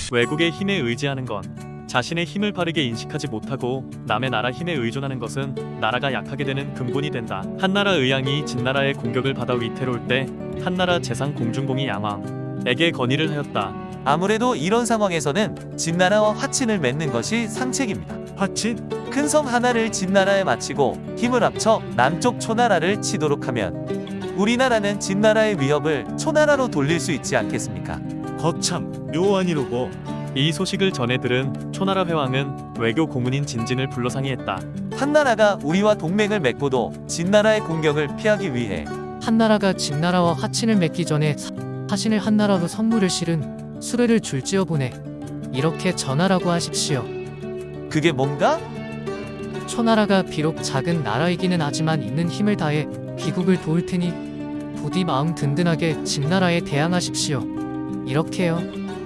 외국의 힘에 의지하는 건 자신의 힘을 바르게 인식하지 못하고 남의 나라 힘에 의존하는 것은 나라가 약하게 되는 근본이 된다. 한나라 의왕이 진나라의 공격을 받아 위태로울 때 한나라 재상 공중공이 양왕에게 건의를 하였다. 아무래도 이런 상황에서는 진나라와 화친을 맺는 것이 상책입니다. 화친? 큰 섬 하나를 진나라에 바치고 힘을 합쳐 남쪽 초나라를 치도록 하면 우리나라는 진나라의 위협을 초나라로 돌릴 수 있지 않겠습니까? 거참 묘안이로고. 이 소식을 전해 들은 초나라 회왕은 외교 고문인 진진을 불러 상의했다. 한나라가 우리와 동맹을 맺고도 진나라의 공격을 피하기 위해 한나라가 진나라와 화친을 맺기 전에 사신을 한나라로 선물을 실은 수레를 줄지어 보내 이렇게 전하라고 하십시오. 그게 뭔가? 초나라가 비록 작은 나라이기는 하지만 있는 힘을 다해 귀국을 도울 테니 부디 마음 든든하게 진나라에 대항하십시오. 이렇게요.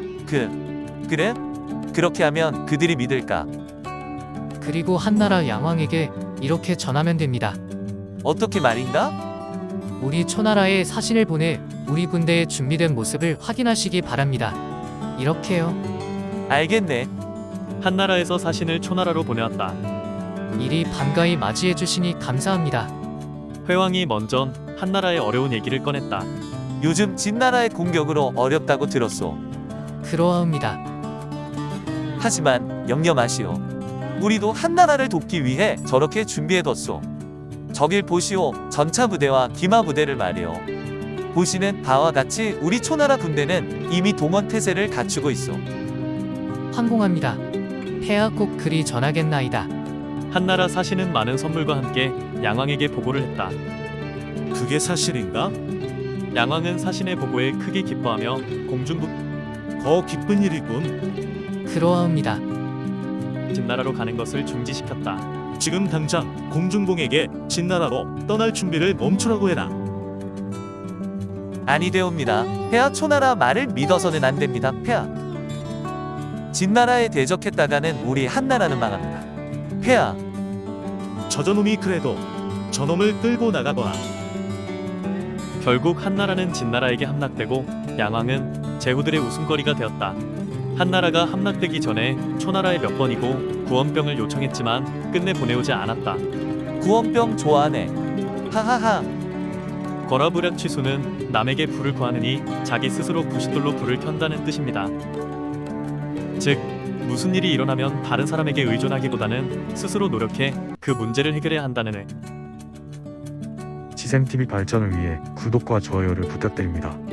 그래? 그렇게 하면 그들이 믿을까? 그리고 한나라 양왕에게 이렇게 전하면 됩니다. 어떻게 말인가? 우리 초나라에 사신을 보내 우리 군대의 준비된 모습을 확인하시기 바랍니다. 이렇게요. 알겠네. 한나라에서 사신을 초나라로 보내왔다. 이리 반가이 맞이해 주시니 감사합니다. 회왕이 먼저 한나라의 어려운 얘기를 꺼냈다. 요즘 진나라의 공격으로 어렵다고 들었소. 그러하옵니다. 하지만 염려 마시오. 우리도 한나라를 돕기 위해 저렇게 준비해뒀소. 저길 보시오. 전차 부대와 기마 부대를 말이오. 보시는 바와 같이 우리 초나라 군대는 이미 동원 태세를 갖추고 있소. 황공합니다. 폐하 꼭 그리 전하겠나이다. 한나라 사신은 많은 선물과 함께 양왕에게 보고를 했다. 그게 사실인가? 양왕은 사신의 보고에 크게 기뻐하며 공중부 거 기쁜 일이군. 그러하옵니다. 진나라로 가는 것을 중지시켰다. 지금 당장 공중봉에게 진나라로 떠날 준비를 멈추라고 해라. 아니 되옵니다. 폐하 초나라 말을 믿어서는 안 됩니다. 폐하. 진나라에 대적했다가는 우리 한나라는 망합니다. 폐하. 저저놈이 그래도 저놈을 끌고 나가거라. 결국 한나라는 진나라에게 함락되고 양왕은 제후들의 웃음거리가 되었다. 한나라가 함락되기 전에 초나라에 몇 번이고 구원병을 요청했지만 끝내 보내오지 않았다. 구원병 좋아하네. 하하하. 거라부략 취수는 남에게 불을 구하느니 자기 스스로 부싯돌로 불을 켠다는 뜻입니다. 즉 무슨 일이 일어나면 다른 사람에게 의존하기보다는 스스로 노력해 그 문제를 해결해야 한다는 의. 지샘TV 발전을 위해 구독과 좋아요를 부탁드립니다.